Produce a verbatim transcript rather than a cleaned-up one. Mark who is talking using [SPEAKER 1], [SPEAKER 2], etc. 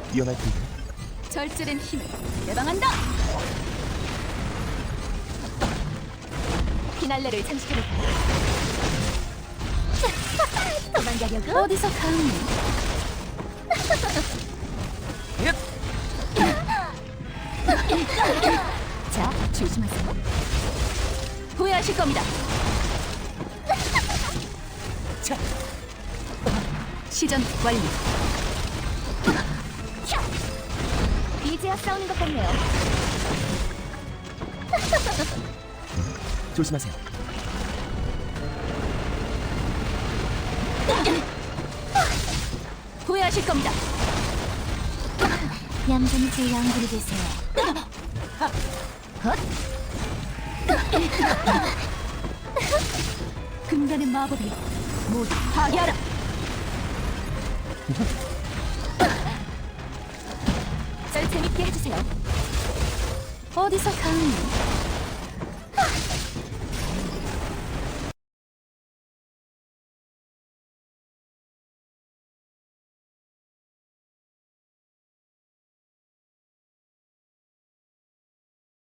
[SPEAKER 1] 위험할 텐데.
[SPEAKER 2] 절제된 힘을 예방한다. 피날레를 장식해볼까요? 도망가려고? 어디서 감히? 자, 조심하세요. 후회하실 겁니다. 자, 시전 완료. 이제야 싸우는 것 같네요.
[SPEAKER 1] 조심하세요.
[SPEAKER 2] 후회하실 겁니다. 얌전히 제 양분이 되세요. 금단의 마법이 모두 파괴하라. 절 재밌게 해주세요. 어디서 감히?